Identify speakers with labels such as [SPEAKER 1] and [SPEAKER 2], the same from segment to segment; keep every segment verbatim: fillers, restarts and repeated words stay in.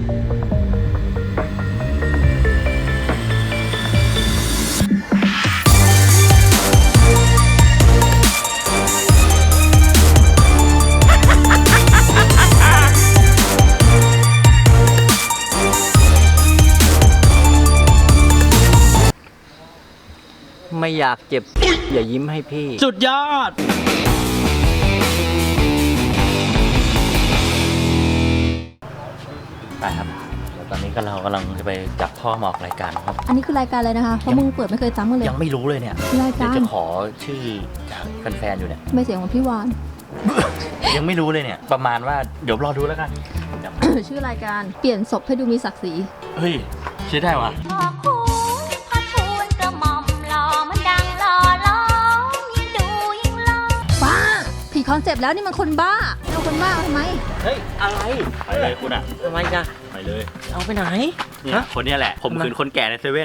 [SPEAKER 1] ไม่อยากเจ็บอย่ายิ้มให้พี่
[SPEAKER 2] สุดยอดไปครับเดี๋ยวตอนนี้ก็เรากำลังจะไปจับพ่อมาออกรายการครับ
[SPEAKER 3] อันนี้คือรายการอะไรนะคะเพราะมึงเปิดไม่เคยจำกันเลย
[SPEAKER 2] ยังไม่รู้เลยเนี่ย
[SPEAKER 3] รายการ
[SPEAKER 2] จะขอชื่อจากแฟนๆอยู่เนี่ย
[SPEAKER 3] ไม่เสียงของพี่วาน
[SPEAKER 2] ยังไม่รู้เลยเนี่ยประมาณว่าเดี๋ยวรอดูแล้วกัน
[SPEAKER 3] ชื่อรายการเปลี่ยนศพให้ดูมีศักดิ์ศรี
[SPEAKER 2] เฮ้ยชื่อได้วะ
[SPEAKER 3] บ้าผีคอนเซปต์แล้วนี่มันคนบ้าเอาคนบ้าทำไม
[SPEAKER 2] เฮ้ยอะไรไปเลยคุณอะ
[SPEAKER 1] ทำไมกัน
[SPEAKER 2] ไปเลย
[SPEAKER 1] เอาไปไหน
[SPEAKER 2] เนี่ยคนนี้แหละผมคืนคนแก่ในเซเว่น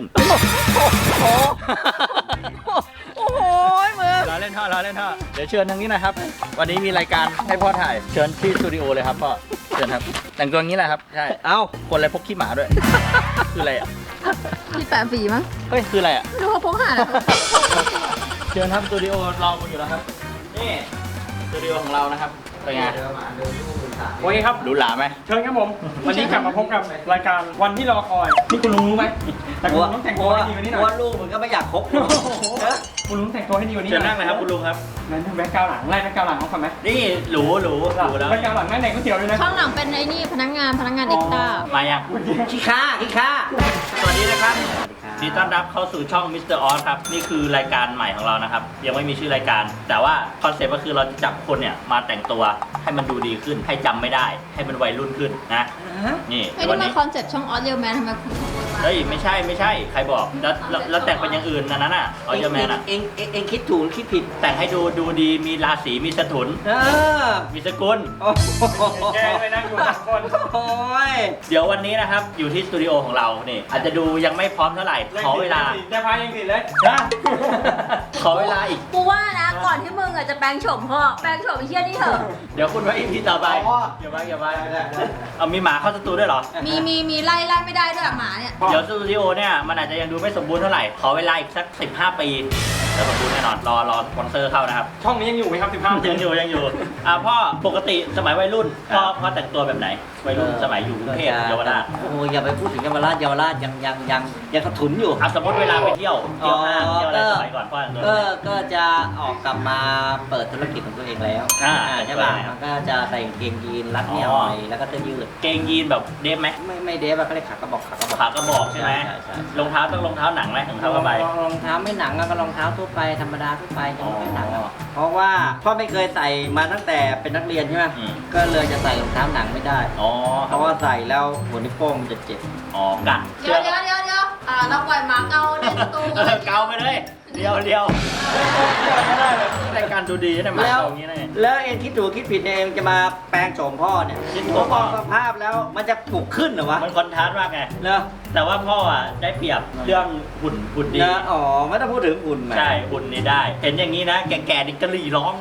[SPEAKER 1] โอ้โหมึง
[SPEAKER 2] รอเล่นท่อรอเล่นท่อเดี๋ยวเชิญทางนี้นะครับวันนี้มีรายการให้พ่อถ่ายเชิญที่สตูดิโอเลยครับพ่อเชิญครับแต่งตัวอย่างนี้แหละครับใช่เอ้าคนอะไรพกขี้หมาด้วยคืออะไรอ่ะ
[SPEAKER 3] พี่แปะฝีมั้ง
[SPEAKER 2] เฮ้ยคืออะไรอ่ะ
[SPEAKER 3] ดูเขาพกหา
[SPEAKER 2] เชิญครับสตูดิโอรอคุณอยู่แล้วครับนี่สตูดิโอของเรานะครับเป็นไง
[SPEAKER 4] โอเคครับ
[SPEAKER 2] ดูหลาไหม
[SPEAKER 4] เชิญครับผมวันนี้กลับมาพบกับรายการวันที่รอคอยนี่คุณลุงรู้ไหมแต่คุณลุงต้องแต่งตัวให้ดีวันนี้หน่อย
[SPEAKER 1] ว่าลูกมันก็ไม่อยากคบ
[SPEAKER 4] คุณลุงแต่งตัวให้ดีวันนี้
[SPEAKER 2] เชิญนั่งเลยครับคุณลุงครับ
[SPEAKER 4] นั่นแบ็คกราวด์หลังไล่แบ็คกราวด์หลังเขาทำไหม
[SPEAKER 2] นี่หรูหรูหรูแล้ว
[SPEAKER 4] แบ็คกราวด์หลังนั่งไหนก๋วยเตี๋ยวเลยนะ
[SPEAKER 3] ข้างหลังเป็นไอ้นี่พนักงานพนักงานเอ็กซ์ต้า
[SPEAKER 2] มายัง
[SPEAKER 1] ขี้ข้าขี้ข้า
[SPEAKER 2] สวัสดีนะครับดีต้อนรับเข้าสู่ช่องมิสเตอร์ออสครับนี่คือรายการใหม่ของเรานะครับยังไม่มีชื่อรายการแต่ว่าคอนเซ็ปต์ก็คือเราจะจับคนเนี่ยมาแต่งตัวให้มันดูดีขึ้นให้จำไม่ได้ให้มันวัยรุ่นขึ้นนะนี่
[SPEAKER 3] ไอ้นี่มันคอนเซ็ปต์ช่องออสเรียลแมนทำไมคุณ
[SPEAKER 2] เฮ้ยไม่ใช่ไม่ใช่ใครบอกแล้วแล้วแต่งเป็นอย่างอื่นนะนั้นอ่ะออสเรียลแมนอ่ะ
[SPEAKER 1] เองเองเองคิดถูกคิดผิด
[SPEAKER 2] แต่งให้ดูดูดีมีราศีมีสถุนมีสกุล
[SPEAKER 4] แกไปนั่งอยู่สองคน
[SPEAKER 1] โอ้ย
[SPEAKER 2] เดี๋ยววันนี้นะครับอยู่ที่สตูดิโอของเรานี่อาจจะดูยังไม่พร้อมเท่าไหร่ขอเวลา
[SPEAKER 4] จะพายังติดเลย
[SPEAKER 2] ขอเวลาอีก
[SPEAKER 3] กูว่านะก่อนที่มึงอ่ะจะแปลงโฉมพ่อแปลงโฉมไอ้เหี้ยนี่เถอะ
[SPEAKER 2] เดี๋ยวคุณไว้อีพีต่อไปอย่าไปอย่าไปเอามีหมาเข้าสตูด้วยเหรอ
[SPEAKER 3] มีมีมีไล่ไล่ไม่ได้ด้วยหมาเนี่ย
[SPEAKER 2] เดี๋ยวสตูดิโอเนี่ยมันอาจจะยังดูไม่สมบูรณ์เท่าไหร่ขอเวลาอีกสักสิบห้าปีแล้วสมบูรณ์แน่นอนรอรอสปอนเซอร์เข้านะครับ
[SPEAKER 4] ช่องนี้ยังอยู่ไหมครับสิบห้า
[SPEAKER 2] ยังอยู่ยังอยู่อ่าพ่อปกติสมัยวัยรุ่นพ่อพ่อแต่งตัวแบบไหนวัยรุ่นสมัยอยู่กรุงเทพเยาวราช
[SPEAKER 1] โอ้ยอย่าไปพูดถึงเยาวราชเยาวราชยังยังยังยังกระถุนอยู่
[SPEAKER 2] อ่ะสมมติเวลาไปเที่ยวเที่ยวห้างเที่ยวอะไรสมัยก่อนพ่อ
[SPEAKER 1] ก็ก็จะออกกลับมาเปิดธุรกิจของตัวเองแล้ว
[SPEAKER 2] อ่า
[SPEAKER 1] ใช่ป่ะมันก็จะใส่เกงยีนรัดเอวหน่อยแล้วก็เสื้อยืด
[SPEAKER 2] เกงยีนแบบเดฟไหม
[SPEAKER 1] ไม่ไม่เดฟเขาเรียกขากระบอกขากระบอก
[SPEAKER 2] ขากระบอกใช่ไหมรองเท้าต้องรองเท้าหนังไหมรองเท้าผ้าใบ
[SPEAKER 1] รองเท้าไม่หนังก็รองเท้าทั่วไปธรรมดาทั่วไปยังไม่หนังเพราะว่าพ่อไม่เคยใส่มาตั้งแต่เป็นนักเรียนใช่ไหมก็เลยจะใส่รองเท้าหนังไม่ได้เพราะว่าใส่แล้วหัวนิ้วโป้งมันจะเจ็บ
[SPEAKER 2] อ๋อกัด
[SPEAKER 3] เดี๋ยวเดี๋ยวเดี๋ยวเดี๋ยวอ่าเราปล่อยหมาเกาในประตู
[SPEAKER 2] เกาไปเลยเดียวเดียวไม่ได้เลยรายการดูดีนะหมาเกาอย่างนี้เลย
[SPEAKER 1] แล้วเอ็นคิดถูกคิดผิดเนี่ยเองจะมาแปลงโฉมพ่อเนี่ยคิดถูกมองสภาพแล้วมันจะปลุกขึ้นเหรอวะ
[SPEAKER 2] มันคอนทราสต์มากไง
[SPEAKER 1] เนอะ
[SPEAKER 2] แต่ว่าพ่ออ่ะได้เปรียบเรื่องหุ่นหุ่นดี
[SPEAKER 1] อ๋อไม่ต้องพูดถึงหุ่น
[SPEAKER 2] ใช่หุ่นนี่ได้เห็นอย่างนี้นะแก่ๆดิกะหรี่ร้อง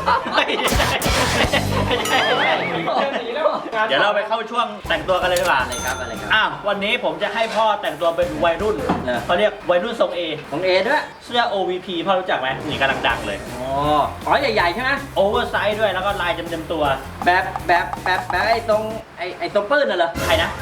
[SPEAKER 2] เดี๋ยวเราไปเข้าช่วงแต่งตัวกันเลยดีกว่า
[SPEAKER 1] อะไรครับอะไรครับ
[SPEAKER 2] อ้าววันนี้ผมจะให้พ่อแต่งตัวเป็นวัยรุ่นเขาเรียกวัยรุ่นทรงเอ
[SPEAKER 1] ของเอด้วย
[SPEAKER 2] เสื้อ โอ วี พี พ่อรู้จักไหมนี่กำลังดังเลย
[SPEAKER 1] อ๋ออ๋อใหญ่ๆใช่ไหม
[SPEAKER 2] โอเวอร์ไซส์ด้วยแล้วก็ลายเต็มๆตัว
[SPEAKER 1] แบบแบบแบบแบบไอ้ตรงไอ้ไอ้ตรงปื้นน่ะเหรอ
[SPEAKER 2] ใครนะ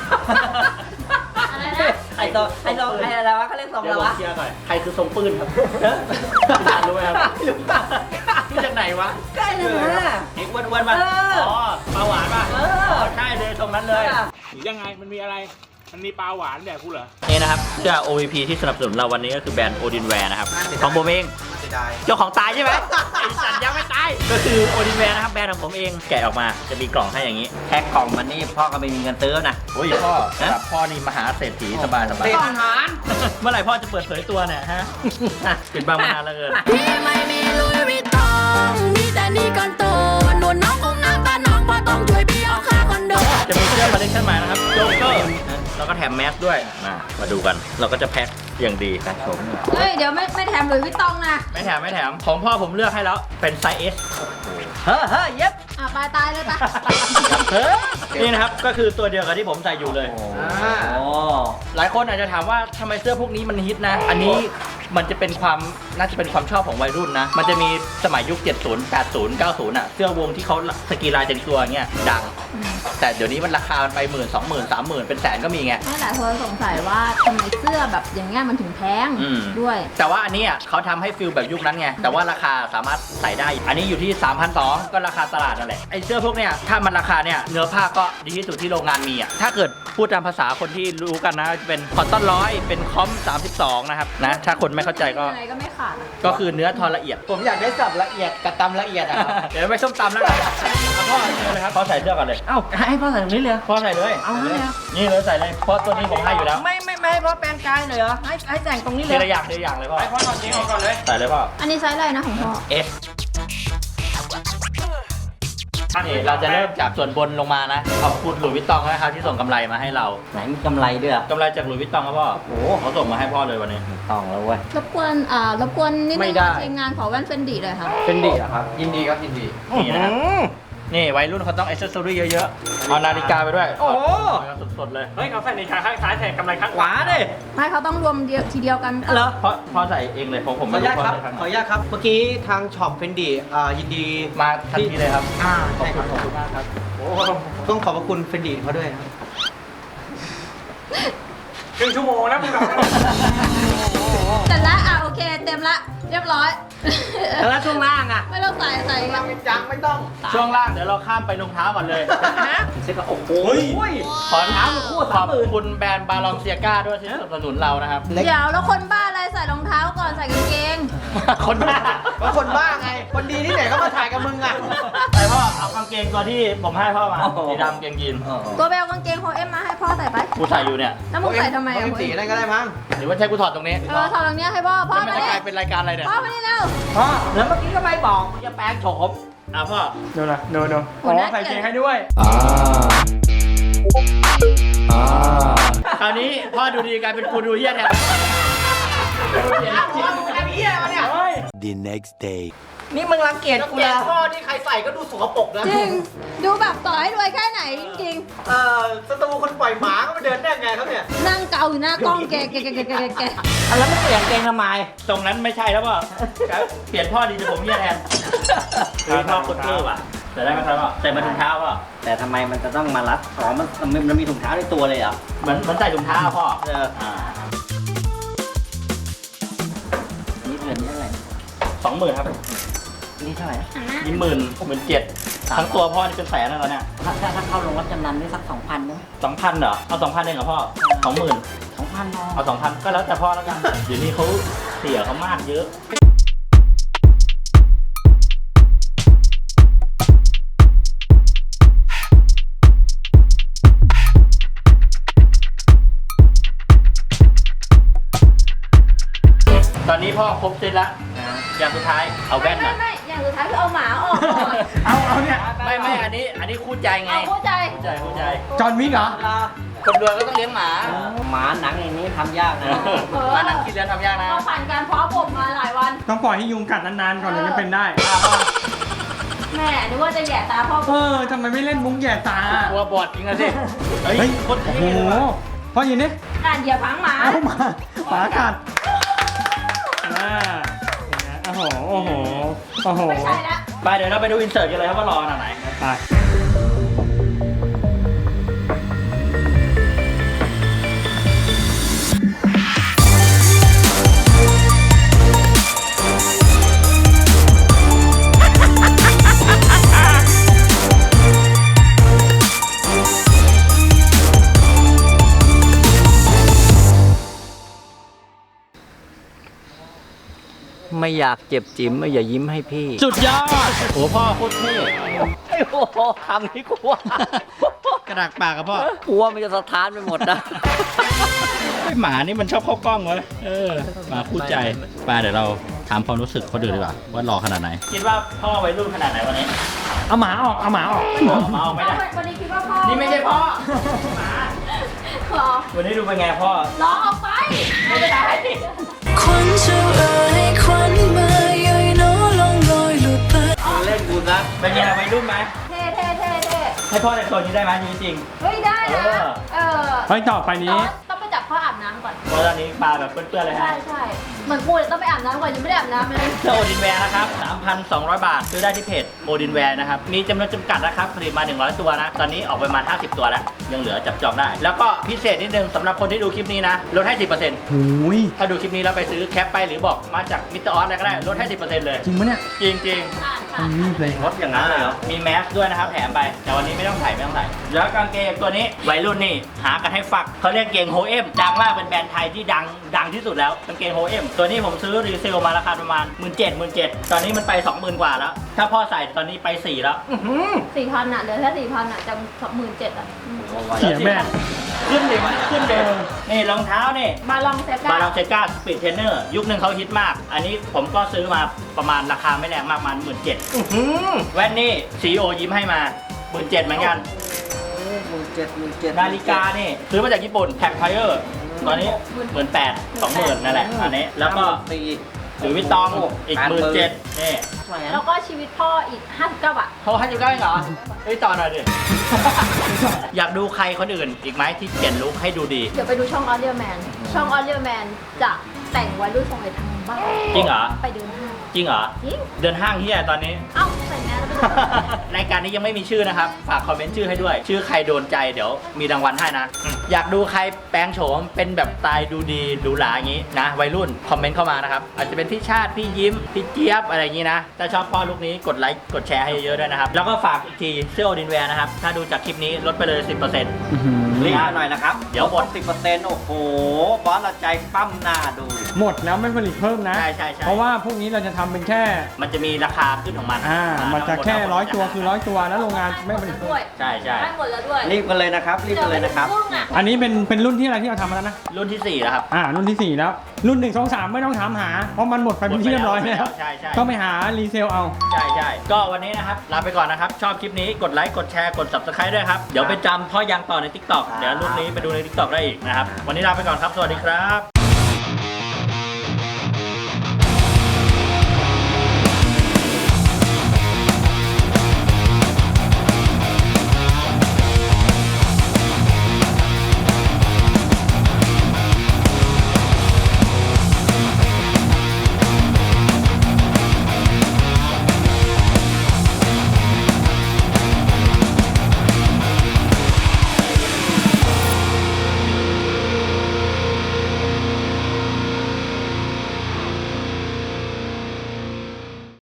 [SPEAKER 1] ไอ้ตรงไอ้ตรงไอ้อะไรวะเขาเรียกทรงอะไรวะ
[SPEAKER 2] เชียร์หน่อยใครคือทรงปืนครับรู้ไหมครับรู้จากไหนวะ
[SPEAKER 1] ใกล้เลยนะ
[SPEAKER 2] เอ็กอ้วนๆมาอ๋อปลาหวานป่ะใช่เลยตรงนั้นเลย
[SPEAKER 4] ยังไงมันมีอะไรมันมีปลาหวานแบบกูเหรอ
[SPEAKER 2] นี่นะครับเสื้อ โอ วี พี ที่สนับสนุนเราวันนี้ก็คือแบรนด์โอดินแวร์นะครับของผมเองเจ้าของตายใช่ไหมไอ้สัตว์ยังไม่ตายก็คือโอดินแวร์นะครับแบรนด์ของผมเองแกะออกมาจะมีกล่องให้อย่างนี้
[SPEAKER 1] แพ็คกล่องมันนี่พ่อก็ไม่มีเงินซื้อนะ
[SPEAKER 2] โอ้ยพ่อแบบพ่อนี่มหาเศรษฐีสบายสบาย
[SPEAKER 1] อาหาร
[SPEAKER 2] เมื่อไหร่พ่อจะเปิดเผยตัวเนี่ยฮะปิดบังมานานแล้วเกิน
[SPEAKER 5] ไม่มีลุยวิตตองมีแต่นี่ก่อนโตหนุนน้องคงน้ำตาน้องพอต้องช่วยพี่ออกค่าคอนโด
[SPEAKER 2] จะมีเสื้อคอลเลคชั่นใหม่นะครับโจ๊กเกอร์แล้วก็แถมแมสด้วยมามาดูกันเราก็จะแพ็คอย่างดีครับผม
[SPEAKER 3] เฮ้ยเดี๋ยวไม่ไม่แถมหลุยส์วิตตองนะ
[SPEAKER 2] ไม่แถมไม่แถมของพ่อผมเลือกให้แล้วเป็นไซส์ เอส
[SPEAKER 1] เฮ้อเฮ้อเย็บ
[SPEAKER 3] อ่ะไปตายเลยปะ
[SPEAKER 2] นี่นะครับก็คือตัวเดียวกับที่ผมใส่อยู่เลย
[SPEAKER 4] อ่า
[SPEAKER 1] อ๋อ
[SPEAKER 2] หลายคนอาจจะถามว่าทำไมเสื้อพวกนี้มันฮิตนะ อันนี้มันจะเป็นความน่าจะเป็นความชอบของวัยรุ่นนะ มันจะมีสมัยยุค เจ็ดสิบ แปดสิบ เก้าสิบ อ่ะ เสื้อวงที่เขาสกรีนลายเต็มตัวเงี้ยดัง แต่เดี๋ยวนี้มันราคามันไปหมื่นสองหมื่นสามหมื่นเป็นแสนก็มีไง
[SPEAKER 3] ไม่หลายคนสงสัยว่าทำไมเสื้อแบบอย่างเงี้ยมันถึงแพง
[SPEAKER 2] อืม
[SPEAKER 3] ด้วย
[SPEAKER 2] แต่ว่าอันนี้อ่ะเขาทำให้ฟิลแบบยุคนั้นไง แต่ว่าราคาสามารถใส่ได้ อันนี้อยู่ที่ สามพันสองร้อย ก็ราคาตลาดนั่นแหละ ไอเสื้อพวกเนี้ยถ้ามันราคาเนี่ยเนื้อผ้าก็ดีที่สุดที่โรงงานมีอ่ะ ถ้าเกิดพูดตามภาษาคนที่รู้กันนะจะเป็นคอตตอนร้อยเป็นคอมสามสิบสองนะครับนะ ถ้าคนไม่เข้าใจก็
[SPEAKER 3] ยังไงก็ไม่ขาดอะ
[SPEAKER 2] ก็คือเนื้อทอละเอียด
[SPEAKER 1] ผมอยากได้สับละเอียดกับตำละเอียดอะครับ
[SPEAKER 2] เดี๋ยวไปส้มตำแล้วกันเอาพ่อเชิญเลยครับพ่อใส่เสื้อก่อนเลย
[SPEAKER 1] เอ้าให้พ่อใส่ตรงนี้เลยเหรอ
[SPEAKER 2] พ่อใส่เลย
[SPEAKER 1] เอาเลยเหรอ
[SPEAKER 2] นี่เลยใส่เลยเพราะตัวนี้ผมให้อยู่แล้ว
[SPEAKER 1] ไม่ไม่ไม่ให้พ่อแปลงกายหน่อยเหรอให้ให้แต่งตรงนี้เล
[SPEAKER 2] ที
[SPEAKER 1] ย
[SPEAKER 2] ละอย่างทีละอย่างเลยพ่อ
[SPEAKER 4] ไปพ่อถอดเกงออกก่อนเลย
[SPEAKER 2] ใส่เลยพ่อ
[SPEAKER 3] อันนี้ไซส์อะไรนะของพ่อ
[SPEAKER 2] เอสนี่เราจะเริ่มจากส่วนบนลงมานะ ขอบคุณหลุยส์วิตตองนะครับที่ส่งกำไรมาให้เรา
[SPEAKER 1] ไหนมีกำไรด้วยอะ
[SPEAKER 2] กำไรจากหลุยส์วิตตองครับพ่อ
[SPEAKER 1] โอ้
[SPEAKER 2] เขาส่งมาให้พ่อเลยวันนี้
[SPEAKER 1] ต้องแล้วเว้ย
[SPEAKER 3] รบกวนอ่ารบกวนนิด
[SPEAKER 4] ไม่
[SPEAKER 3] นึง
[SPEAKER 4] ได้
[SPEAKER 3] ทีมงานขอแว่นเฟนดีเลยค่ะ
[SPEAKER 4] เป็นดีอะครับ ยินดีครับยินดี
[SPEAKER 2] นี่นะครับนี่วัยรุ่นเขาต้องอ c เซสซอรี่เยอะๆ เอานาฬิกาไปด้วย
[SPEAKER 1] โอ้โห
[SPEAKER 2] สดๆเลย
[SPEAKER 4] เฮ้ยเขาใส่ในขาข้างซ้ายใส่กำไรข้าง
[SPEAKER 1] ขวาดิ
[SPEAKER 3] ไม่เขาต้องรวมเดียวทีเดียวกัน
[SPEAKER 1] เหรอ
[SPEAKER 2] เพราะพ่อใส่เองเลยผมผม
[SPEAKER 6] ขออนุญาตครับ
[SPEAKER 2] ไม่
[SPEAKER 6] ขออนุญาตครับ เมื่อกี้ทางช็อปเฟนดีอ่ายินดี
[SPEAKER 2] มาทันทีเลยครับ
[SPEAKER 6] อ่า
[SPEAKER 2] ขอบ
[SPEAKER 6] ใช่
[SPEAKER 2] คุ
[SPEAKER 6] ค
[SPEAKER 2] ณ
[SPEAKER 6] รับ
[SPEAKER 2] ขอบคุณมากครับ
[SPEAKER 6] โอ้ต้องขอบพระคุณเฟนดีเขาด้วยนะครับ
[SPEAKER 4] ครึ่งชั่วโมงแล้วมึงแบบ
[SPEAKER 3] แต่ละอ่ะโอเคเต็มละเรียบร้อย
[SPEAKER 1] แล้วช่วงล่างอะ
[SPEAKER 3] ไม่ต้องใส่ใส่กัน
[SPEAKER 6] จังไม่ต้อง
[SPEAKER 2] ช่วงล่างเดี๋ยวเราข้ามไปรองเท้าก่อนเลย
[SPEAKER 1] เซ็ตก็โอ้โห
[SPEAKER 2] ขอเท้าคู่ขอบคุณแบรนด์บาลองเซียก้าด้วยที่สนับสนุนเรานะครับ
[SPEAKER 3] เดี๋ยวแล้วคนบ้าอะไรใส่รองเท้าก่อนใส่กางเกง
[SPEAKER 2] คนบ้า
[SPEAKER 6] ว่าคนบ้าไง คนดีที่ไหนก็มาถ่ายกับมึงอ่ะ
[SPEAKER 2] ใส่พ่อเอากางเกงตัวที่ผมให้พ่อมาสีดำเกงยีน
[SPEAKER 3] ตัวเบลกางเกงโฮเอ็มมาให้พ่อใส่ไป
[SPEAKER 2] กูใส่อยู่เนี่ย
[SPEAKER 3] แล้วมึงใส่ทำไม
[SPEAKER 6] เอา
[SPEAKER 3] อ่ะ
[SPEAKER 6] สีนั่นก็ได้มั้ง
[SPEAKER 2] หรือว่าใช้กูถอดตรงนี้
[SPEAKER 3] เออถอดตรงเนี้ยให้พ่อพ่อ
[SPEAKER 2] แล้วมัน
[SPEAKER 3] มา
[SPEAKER 2] จะ
[SPEAKER 3] ดิ
[SPEAKER 2] กลายเป็นรายการอะไรเนี่ย
[SPEAKER 3] พ่อมาดิเร็ว
[SPEAKER 1] พ่อแล้วเมื่อกี้ก็ไม่บอกกูจะแปลงโฉม
[SPEAKER 2] อ่ะพ่อ
[SPEAKER 4] ดูนะดูดูอ๋อใส่เกงให้ด้วย
[SPEAKER 2] คราวนี้พ่อดูดีกลายเป็นกูดูเฮี้ยแทน
[SPEAKER 7] The next day.
[SPEAKER 1] นี่มึงรังเกียจกู
[SPEAKER 6] แก
[SPEAKER 1] นะ
[SPEAKER 6] พ่อที่ใครใส่ก็ดูสกปรกนะ
[SPEAKER 3] จริง ดูแบบต่อให้รวยแค่ไหนจริง
[SPEAKER 6] เอ่อสตูคนปล่อยหมาก็มาเดินได้ไงครับเนี่ย
[SPEAKER 3] ๆนั่งเกาอยู่หน้ากล้องแกแกแกแกแกแก
[SPEAKER 1] อ่ะแล้วไม่เปลี่ยนเกงทำไม
[SPEAKER 2] ตรงนั้นไม่ใช่แล้วพ่อเปลี่ยนพ่อดีจะผมเฮี้ยแทนคือพ่อโคตรเท่ว่ะใส่ได้ไหมครับพ่อใส่มาถุงเท้าพ่อ
[SPEAKER 1] แต่ทำไมมันจะต้องมารัดอ๋อมันมันมันมีถุงเท้าในตัวเลยเหรอ
[SPEAKER 2] เหมือนเหมือนใส่ถุงเท้าพ่อ
[SPEAKER 1] เออ
[SPEAKER 2] อ่า
[SPEAKER 1] นี่เดือนนี้เท่าไหร่
[SPEAKER 2] สองหมื่นครับ
[SPEAKER 1] นี่เท่าไหร่
[SPEAKER 2] นี่หมื่นหมื่นเจ็ดทั้งตัวพ่อนี่เป็นแสนแล้วเนี่ย
[SPEAKER 1] ถ้าถ้าถ้าเข้าโรงรับจำนำนี่สักสองพันนะ
[SPEAKER 2] สองพันเหรอ เอาสองพันเองเหรอพ่อสองหมื่น
[SPEAKER 1] สองพันพอ
[SPEAKER 2] เอาสองพันก็แล้วแต่พ่อแล้วกัน เดี๋ยวนี้เขาเสียเขามากเยอะ ตอนนี้พ่อครบเสร็จแล้วอย่างสุดท้ายเอาแว่
[SPEAKER 3] ไม่
[SPEAKER 2] นหน่อย
[SPEAKER 3] ไม่ไม่อย่างสุดท้ายคือเอาหมาออกก่อน
[SPEAKER 4] เอาเอาเนี่ย
[SPEAKER 2] ไม่ไม่อันนี้ อันนี้คู่ใจไง
[SPEAKER 3] เอาเข้าใจ
[SPEAKER 2] คู่ใจคู่ใจ
[SPEAKER 4] จอห์นวิกเหรอ
[SPEAKER 2] คนรวยก็ต้องเลี้ยงหมา
[SPEAKER 1] หมาหนังอย่างนี้ทำยากนะ
[SPEAKER 3] เออ
[SPEAKER 2] มาหนังที่เลี้ยงทำยากนะ
[SPEAKER 3] เราผ่านการเพาะบ่มมาหลายวัน
[SPEAKER 4] ต้องปล่อยให้ยุงกัดนานๆก่อนถึงจะเป็นได้
[SPEAKER 3] แม่นึกว่าจะแหย่ตาพ่อ
[SPEAKER 4] เออทำไมไม่เล่นมุ้งแย่ตา
[SPEAKER 2] กลัวบอดจริงอะสิ เฮ้ย
[SPEAKER 4] เฮ้ย
[SPEAKER 2] โคตร
[SPEAKER 4] โอ้
[SPEAKER 2] เท่
[SPEAKER 4] โห
[SPEAKER 2] เลยว่ะ
[SPEAKER 4] พ่อยินดิ
[SPEAKER 3] อ่านเหยียบพังหมา
[SPEAKER 4] เอามาหมากัดอ่าโอ้โห โอ้โห โอ้โห
[SPEAKER 3] ไม่ใช่ละ
[SPEAKER 2] ไปเดี๋ยวเราไปดูอินเสิร์ตกันเลยครับว่ารอขนาดไหน
[SPEAKER 4] ไป
[SPEAKER 1] ไม่อยากเจ็บจิ๋มไม่อย่ายิ้มให้พี่
[SPEAKER 2] สุดยอดโอ้พ่อโคตรเท่
[SPEAKER 1] ไอ้โอ้โหคำนี้กูว่าก
[SPEAKER 2] ระดากปากกับพ่อ
[SPEAKER 1] กูว่ามันจะสะท้านไปหมดนะ
[SPEAKER 2] ไอหมานี่มันชอบเข้ากล้องเว้ยเออหมาคู่ใจไปเดี๋ยวเราถามความรู้สึกเขาดูดีกว่าว่ารอขนาดไหน คิดว่าพ่อวัยรุ่นขนาดไหนวันนี้
[SPEAKER 4] เอาหมาออก เอาหมาออก
[SPEAKER 2] หมาออกไม่ได้
[SPEAKER 3] วันนี้คิดว่าพ่อ
[SPEAKER 2] นี่ไม่ใช่พ่อ
[SPEAKER 3] หรอ
[SPEAKER 2] วันนี้ดูเป็นไงพ่อ
[SPEAKER 3] ร้องออกไป
[SPEAKER 2] ไม่ได้
[SPEAKER 5] ควันเจ้าเอ๋ยควันมาย่อยน้อลองลอยหลุดไป
[SPEAKER 1] เล่นกูนะ
[SPEAKER 2] เป็นไงวัยรุ่นไหม
[SPEAKER 3] เท่
[SPEAKER 2] ให้พ่อแต่งตัวนี้ได้ไหมจริง
[SPEAKER 3] เฮ้ยได้นะ
[SPEAKER 2] เออ
[SPEAKER 3] เออ
[SPEAKER 4] เฮ้ยต่อไปนี้
[SPEAKER 3] แต่ว่าต้องไปจับพ่ออาบน้ำก่อน
[SPEAKER 2] ๆเพราะตอนนี้มาแบบเปื้อนๆเลย
[SPEAKER 3] ใช่
[SPEAKER 2] ฮะ
[SPEAKER 3] ใช่เหมือนกูเลยต้องไปอาบน้ำก่อนยังไม่ได้อาบน้ำเลย
[SPEAKER 2] เสื้อโอดินแวร์นะครับ สามพันสองร้อย บาท ซื้อได้ที่เพจโอดินแวร์นะครับ มีจำนวนจำกัดนะครับ ผลิตมา หนึ่งร้อย ตัวนะ ตอนนี้ออกไปประมาณ ห้าสิบ ตัวแล้ว ยังเหลือจับจองได้ แล้วก็พิเศษนิดนึงสำหรับคนที่ดูคลิปนี้นะ ลดให้ สิบเปอร์เซ็นต์
[SPEAKER 4] หูย
[SPEAKER 2] ถ้าดูคลิปนี้แล้วไปซื้อแคปไปหรือบอกมาจากมิสเตอร์ออสอะไรก็ได้ ลดให้ สิบเปอร์เซ็นต์ เลย
[SPEAKER 4] จริงปะเนี่ย
[SPEAKER 2] จริงจริง
[SPEAKER 3] อ่านค่ะ
[SPEAKER 4] รีบเลย
[SPEAKER 1] รถอย่างนั้นเลยเหรอ
[SPEAKER 2] มีแมสด้วยนะครับแถมไป แต่วันนี้ไม่ต้องใส่ไม่ต้องใส่ แล้วกางเกงตัวนี้วัยรุ่นนี่หากันให้ฝักเขาเรียกเกงโฮเอ็มดังมากเป็นแบรนด์ไทยที่ดังดังที่สุดแล้วกางเกงโฮเอ็มตัวนี้ผมซื้อรีเซลมาราคาประมาณ หมื่นเจ็ดหมื่นเจ็ดตอนนี้มันไป สองหมื่น กว่าแล้ว ถ้าพ่อใส่ตอนนี้ไปสี่แล้ว
[SPEAKER 3] สี่พันอ่ะเหลือแค่สี่พันอ่ะจากสองหมื่นเจ็ดอ่ะอืม
[SPEAKER 4] เสียแม่
[SPEAKER 2] ขึ้นเลยมันขึ้นเลยนี่รองเท้านี่
[SPEAKER 3] มาลองเซ
[SPEAKER 2] บา
[SPEAKER 3] ก้า
[SPEAKER 2] ลองเซกาสปีดเทรนเนอร์ยุคหนึ่งเขาฮิตมาก อันนี้ผมก็ซื้อมาประมาณราคาไม่แรงมากประมาณหมื่นเจ็ดแว่นนี่ซีโอยิ้มให้มาหมื่นเจ็ดเหมือนกัน
[SPEAKER 1] หมื่นเจ็ดหมื่นเจ็ด
[SPEAKER 2] นาฬิกานี่ซื้อมาจากญี่ปุ่นแท็กไพเออร์ตอนนี้หมื่นแปดสองหมื่นนั่นแหละอันนี้แล้วก็
[SPEAKER 1] สี่
[SPEAKER 2] หรือวิตตองอีกหมื่นเจ็ดนี่
[SPEAKER 3] แล้วก็ชีวิตพ่ออีกห้าสิบเก้าบาท
[SPEAKER 2] เขาให้อยู่ได้เหรอเฮ้ยต่อหน่อยดิ อยากดูใครคนอื่นอีกไหมที่เปลี่ยนลุคให้ดูดี
[SPEAKER 3] เดี๋ยวไปดูช่องออเรียแมน ช่องออเรียแมนจะแต่งไว้รุ่นทรงไอ้ทางบ้าน
[SPEAKER 2] จริงเหรอ
[SPEAKER 3] ไปเดินห้าง
[SPEAKER 2] จริงเหรอ
[SPEAKER 3] จริง
[SPEAKER 2] เดินห้างเฮียตอนนี้
[SPEAKER 3] เอ้าใส่แมสแล้วไปเดินห้าง
[SPEAKER 2] รายการนี้ยังไม่มีชื่อนะครับ ฝากคอมเมนต์ชื่อให้ด้วย ชื่อใครโดนใจเดี๋ยวมีรางวัลให้นะ อยากดูใครแปลงโฉมเป็นแบบสไตล์ดูดีดูหลาอย่างนี้นะวัยรุ่นคอมเมนต์เข้ามานะครับ อาจจะเป็นพี่ชาติพี่ยิ้มพี่เจี๊ยบอะไรอย่างนี้นะ ถ้าชอบพ่อลูกนี้กดไลค์กดแชร์ให้เยอะๆด้วยนะครับ แล้วก็ฝากอีกทีเสื้อโอดินแวร์นะครับ ถ้าดูจากคลิปนี้ลดไปเลย สิบเปอร์เซ็นต์
[SPEAKER 1] รีบมาหน่อยนะครับ
[SPEAKER 2] เดี๋ยวหมด
[SPEAKER 1] สิบเปอร์เซ็นต์โอ้โหบอสเราใจปั้มหน้าดู
[SPEAKER 4] หมดแล้วไม่ผลิตเพิ่มนะ
[SPEAKER 2] ใช่ใช่ใช่
[SPEAKER 4] เพราะว่าพวกนี้เราจะทำเป็นแค่
[SPEAKER 2] มันจะมีราคาขึ้นของมัน
[SPEAKER 4] อ่า มันจะแค่ร้อยตัว
[SPEAKER 2] ทั้งหมด
[SPEAKER 4] คือร้อยตัวแล้วโรงงานไม่ผลิตเพิ่
[SPEAKER 3] ด้
[SPEAKER 4] ม
[SPEAKER 3] วย
[SPEAKER 2] ใช่ใช่
[SPEAKER 3] ให้หมดแล้วด้วย
[SPEAKER 1] รีบกันเลยนะครับ รีบกันเลยนะครับ
[SPEAKER 3] เดี๋วไปดูงอ่ะ
[SPEAKER 4] อันนี้เป็นเป็นรุ่นที่อะไรที่เราทำมาแล้วนะ
[SPEAKER 2] รุ่นที่สี่แล้วครับ
[SPEAKER 4] อ่า รุ่นที่สี่แล้ว รุ่นหนึ่งสองสามไม่ต้องถามหา เพราะมันหมดไปเป็นที่เรียบร้อยแล้ว
[SPEAKER 2] ใช่ใช่
[SPEAKER 4] ต้องไปหารีเซลเอา
[SPEAKER 2] ใช่ใช่ก็วันนี้นะครับ ลาไปก่อนนะครับ ชอบคลิปนี้กดไลค์ กดแชร์ กด ซับสไครบ์ ด้วยครับ เดี๋ยวไปจำพ่อยังต่อใน ติ๊กต็อก เดี๋ยวรุ่นนี้ไปดูใน ติ๊กต็อก ได้อีกนะครับ วันนี้ลาไปก่อนครับ สวัสดีครับ